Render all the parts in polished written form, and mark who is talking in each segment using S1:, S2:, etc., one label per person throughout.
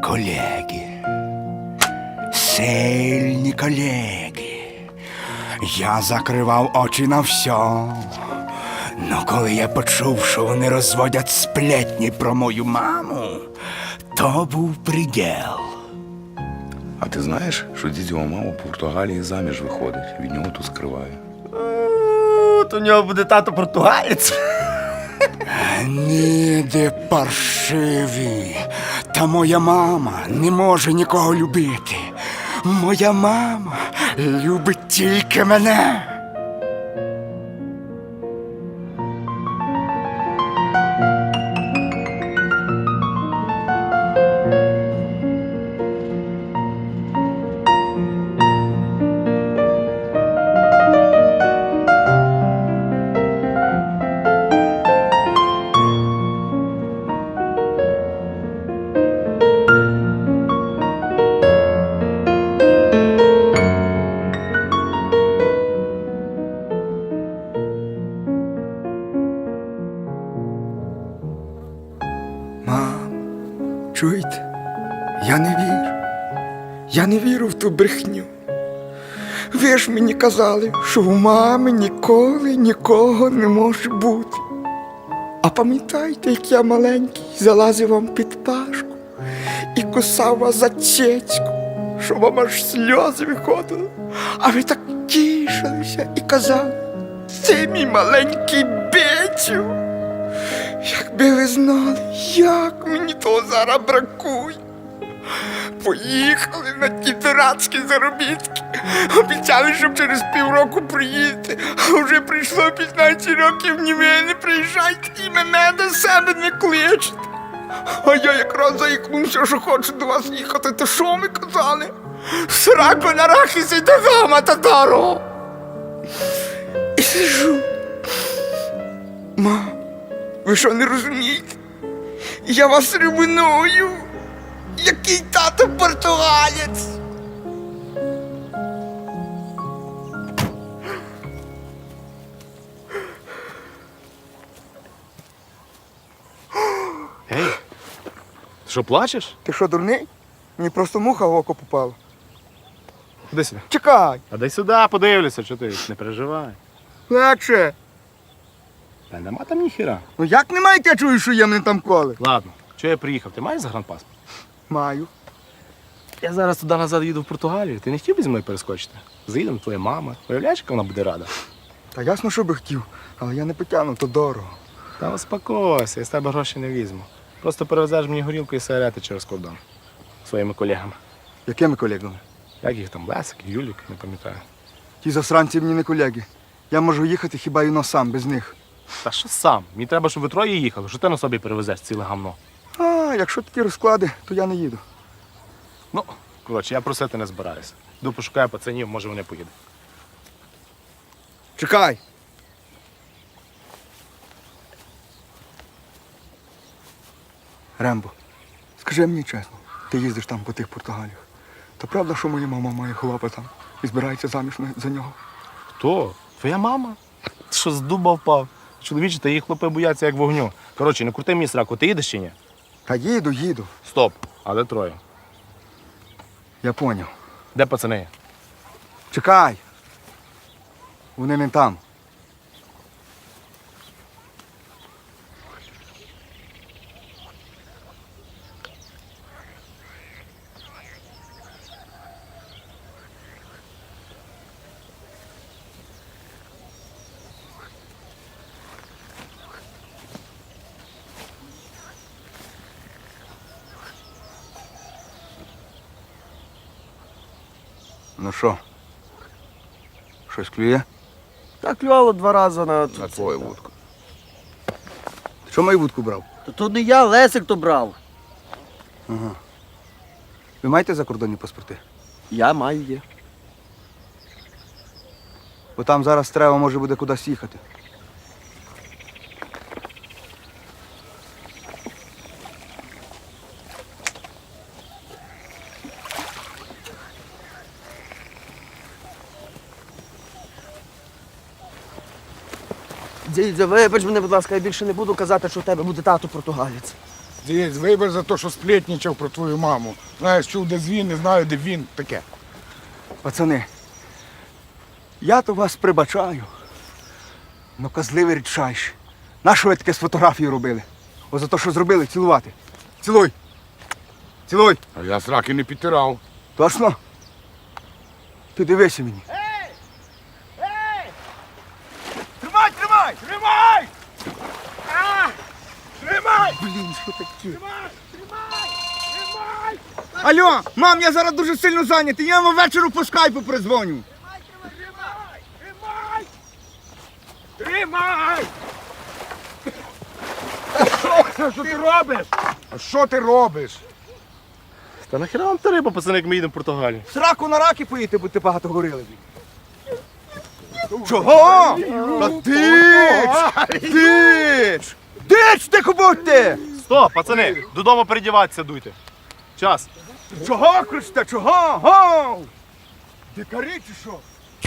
S1: колеги. Сильні колеги. Я закривав очі на все. Но коли я почув, що вони розводять сплетні про мою маму, то був приділ.
S2: А ти знаєш, що дідьова мама в Португалії заміж виходить, від нього тут скриває.
S3: То у нього буде тато португалець.
S1: Ніде паршиві. Та моя мама не може нікого любити. Моя мама любить тільки мене. Мам, чуєте? Я не вірю. Я не вірю в ту брехню. Ви ж мені казали, що у мами ніколи нікого не може бути. А пам'ятаєте, як я маленький залазив вам під пашку і кусав вас за цецьку, що вам аж сльози виходили, а ви так тішилися і казали: це мій маленький Бетю. Якби ви знали, як мені того зараз бракує. Поїхали на ті дурацькі заробітки. Обіцяли, щоб через півроку приїдете. А вже прийшло 15 років, ні ви не приїжджайте і мене до себе не кличете. А я якраз заїкнувся, що хочу до вас їхати. То що ми казали? Сраку на рахісі до дома, татаро. І сижу. Мам, ви що не розумієте? Я вас ревную. Який тато португалець?
S3: Ей, ти що, плачеш?
S1: Ти що, дурний? Мені просто муха в око попала.
S3: Ходи сюди.
S1: Чекай,
S3: А дай сюди, подивлюся, що ти не переживай.
S1: легше.
S3: Та нема там ніхіра.
S1: Ну як немає, я чую, що є мене там коли?
S3: Ладно, чого я приїхав? Ти маєш загранпаспорт?
S1: Маю.
S3: Я зараз туди назад їду в Португалію. Ти не хотів би зі мною перескочити? Заїдемо, твоя мама. Уявляєш, яка вона буде рада?
S1: Та ясно, що би хотів, але я не потягну, то дорого.
S3: Та успокойся, я з тебе гроші не візьму. Просто перевезеш мені горілку і сигарети через кордон. Своїми колегами.
S1: Якими колегами?
S3: Як їх там, Лесик, Юлік, не пам'ятаю.
S1: Ті засранці мені не колеги. Я можу їхати хіба й сам, без них.
S3: Та що сам? Мені треба, щоб ви троє їхали. Що ти на собі перевезеш ціле гамно?
S1: А, якщо такі розклади, то я не їду.
S3: Ну, коротше, я просити не збираюся. Йду пошукаю пацанів, може вони поїдуть.
S1: Чекай. Рембо, скажи мені чесно, ти їздиш там по тих Португаліях. То правда, що моя мама має хлопа там і збирається заміж за нього?
S3: Хто? Твоя мама? Ти що, з дуба впав? Чоловічі та її хлопи бояться як вогню. Коротше, не крути мені сраку, ти їдеш чи ні?
S1: Та їду.
S3: Стоп. А де троє?
S1: Я поняв.
S3: Де пацани?
S1: Чекай. Вони не там. Ну що? Щось клює?
S4: Так клювало 2 рази на...
S2: На твою вудку.
S1: Ти що мою вудку брав?
S4: То не я, Лесик то брав.
S1: Ви маєте закордонні паспорти?
S4: Я маю є.
S1: Бо там зараз треба може буде кудись їхати.
S4: Дідя, вибач мене, будь ласка, я більше не буду казати, що в тебе буде тато португалець.
S5: Дивись, вибір за те, що сплетничав про твою маму. Знаєш, чув, де він, не знаю, де він. Таке.
S1: Пацани, я то вас прибачаю. Ну, козливий рідчайші. Нащо ви таке з фотографії робили? О, за те, що зробили, цілувати. Цілуй. Цілуй.
S5: А я сраки не підтирав.
S1: Точно? Ти дивися мені. Тримай, тримай! Тримай! Тримай! Блін, що таке? Алло, мам, я зараз дуже сильно зайнятий. Я вам ввечері по скайпу призвоню.
S5: Тримай! Що ти робиш? А що ти робиш?
S3: Та нахіра вам та риба, пацани, як ми їдемо в Португалію?
S1: Сраку на раки поїти, бо ти багато говорили. Чого? Та дич! Дич! Дич, тихо будьте!
S3: Стоп, пацани, додому передіватися дуйте. Час.
S1: Чого кричите? Чого? Гоу! Дикарі чи що?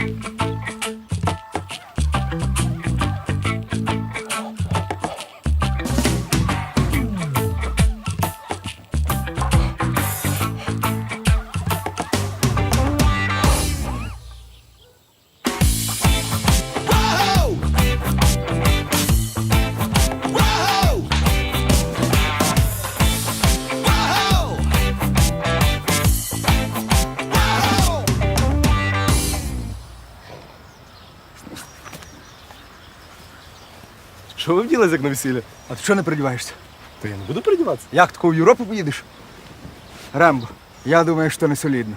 S3: Що ви вділись, як на весілля?
S1: А ти чого не передіваєшся?
S3: Та я не буду передіватися.
S1: Як тако в Європу поїдеш? Рембо, я думаю, що не солідно.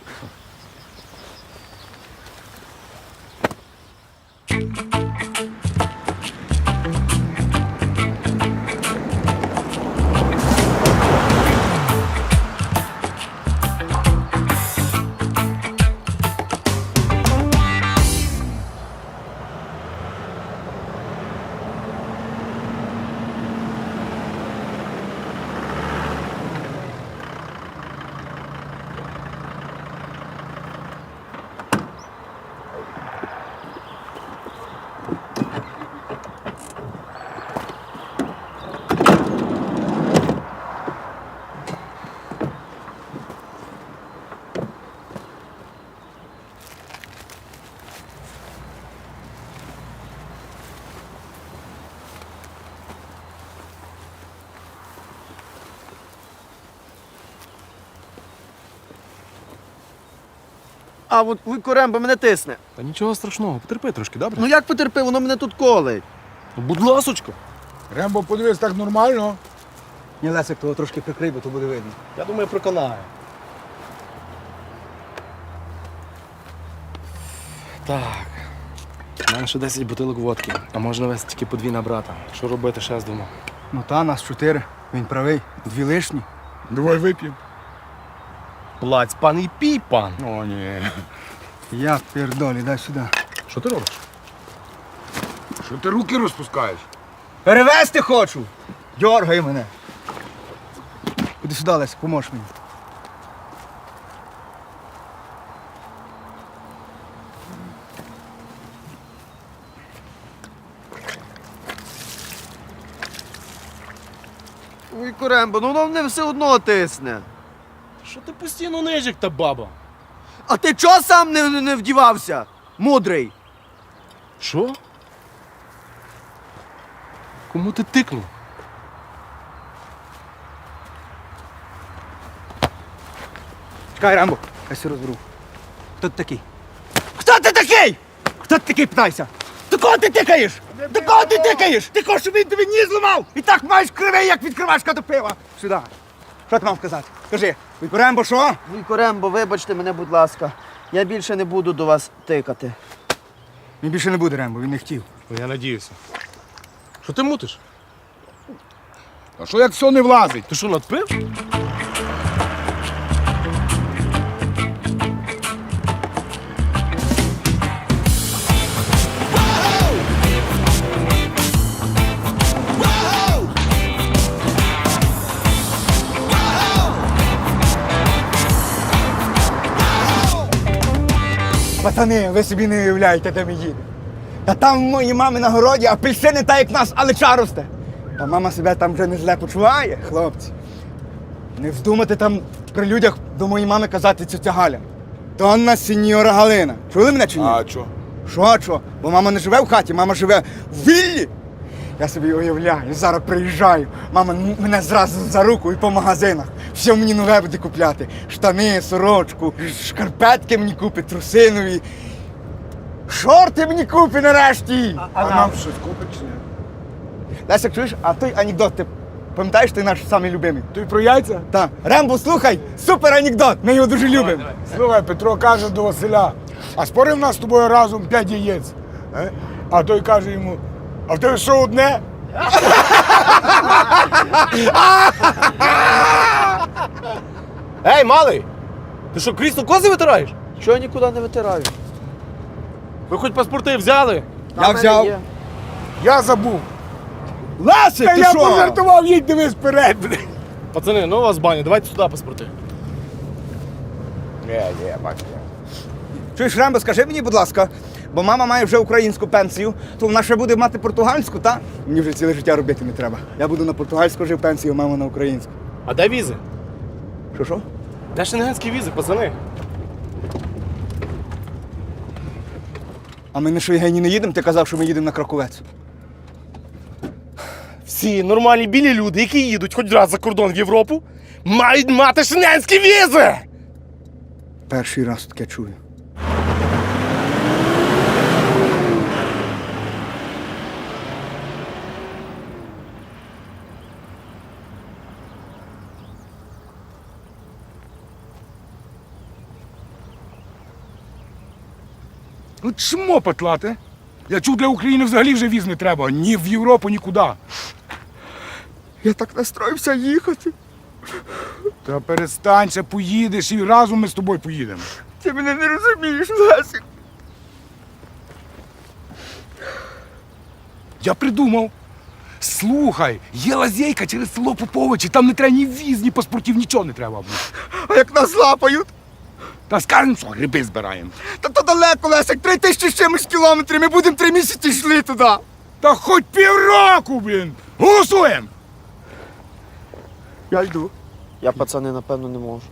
S4: А от Вуйко мене тисне.
S3: Та нічого страшного, потерпи трошки, добре?
S4: Ну як потерпи, воно мене тут колить.
S3: Ну, будь ласочка.
S5: Рембо, подивись, так нормально.
S1: Ні, Лесик, того трошки прикрий, бо то буде видно.
S3: Я думаю, проконаю. Так. У мене ще 10 бутилок водки, а можна вести тільки по 2 на брата. Що робити, ще з двома?
S1: Ну та, нас 4. Він правий. 2 лишні.
S5: Давай вип'ємо.
S3: Плаць, пан і пій, пан.
S5: О, ні.
S1: Я пердолі, дай сюди.
S3: Що ти робиш?
S5: Що ти руки розпускаєш?
S1: Перевезти хочу! Дьоргай мене. Іди сюди, Лесик, поможеш мені.
S4: Вуйко Рембо, ну воно мене все одно тисне.
S3: Що ти постійно нижик та баба?
S4: А ти чого сам не вдівався? Мудрий.
S3: Що? Кому ти тикнув?
S1: Чекай, Рембо, я все розберу. Хто ти такий? Хто ти такий? Хто ти такий, питайся? До кого ти тикаєш? До кого ти тикаєш? Ти хочеш, щоб він тобі ніс зламав? І так маєш кривий, як відкривашка до пива. Сюди. Що ти мав сказати? Кажи, Вуйко Рембо, що?
S4: Вуйко Рембо, вибачте мене, будь ласка. Я більше не буду до вас тикати.
S1: Він більше не буде, Рембо, він не хотів.
S3: Ну, я надіюся. Що ти мутиш?
S5: А що як все не влазить?
S3: Ти що, надпив?
S1: Пацани, ви собі не уявляєте, де ми їдемо. Та там в моїй мами на городі апельсини та як в нас, але росте. Та мама себе там вже не зле почуває, хлопці. Не вздумайте там при людях до моєї мами казати цю Галя. Донна сеньора Галина. Чули мене чи ні?
S5: А що?
S1: Що? Бо мама не живе в хаті, мама живе в віллі. Я собі уявляю, зараз приїжджаю, мама мене зразу за руку і по магазинах. Все мені нове буде купляти. Штани, сорочку, шкарпетки мені купить, трусинові. Шорти мені купить нарешті.
S5: А нам щось купить чи ні?
S1: Лесик, чуєш, а той анекдот, ти пам'ятаєш, ти наш самий любимий?
S5: Ти про яйця?
S1: Так. Рембо, слухай, супер анекдот, ми його дуже любимо.
S5: Слухай, Петро каже до Василя, а спорив нас з тобою разом 5 яєць. А той каже йому, а в тебе що одне?
S3: Ей, малий! Ти що, крісло кози витираєш?
S4: Чого я нікуди не витираю?
S3: Ви хоч паспорти взяли?
S4: А
S1: Я
S4: в мене
S1: взяв.
S4: є.
S5: Я забув.
S1: Лесик,
S5: Та
S1: ти
S5: я
S1: що?
S5: пожартував, їдь дивись вперед.
S3: Пацани, ну у вас баня, давайте сюди паспорти.
S5: Бачу.
S1: Чуєш, Рембо, скажи мені, будь ласка, бо мама має вже українську пенсію, то вона ще буде мати португальську, та? Мені вже ціле життя робити не треба. Я буду на португальську жив пенсію, мама на українську.
S3: А де візи?
S1: Що?
S3: Де шенгенські візи, пацани?
S1: А ми на Шойгені не їдемо? Ти казав, що ми їдемо на Краковець.
S3: Всі нормальні білі люди, які їдуть хоч раз за кордон в Європу, мають мати шенгенські візи!
S1: Перший раз таке чую.
S5: Ну чмо петлати? Я чув, для України взагалі вже віз не треба. Ні в Європу, нікуди.
S1: Я так настроївся їхати.
S5: Та перестань, ще поїдеш і разом ми з тобою поїдемо.
S1: Ти мене не розумієш, Лесик.
S5: Я придумав. Слухай, є лазейка через село Поповичі, там не треба ні віз, ні паспортів, нічого не треба.
S1: А як нас лапають?
S5: Та скажемо, що гриби збираємо.
S1: Та то далеко, Лесик, 3000 з чимось кілометрів, ми будемо 3 місяці йшли туди.
S5: Та хоч півроку, блін! Голосуємо!
S1: Я йду.
S4: Я, пацани, напевно, не можу.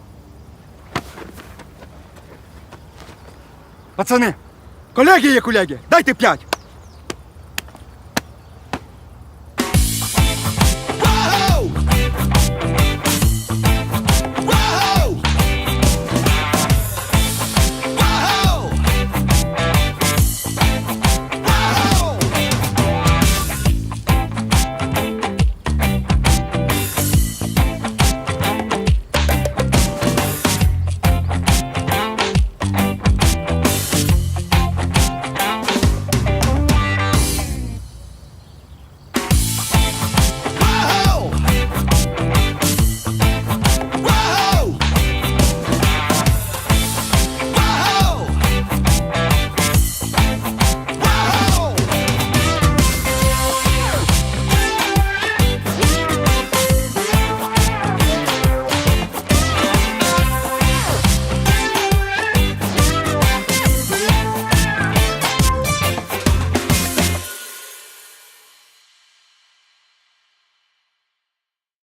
S1: Пацани, колеги є колеги, дайте 5.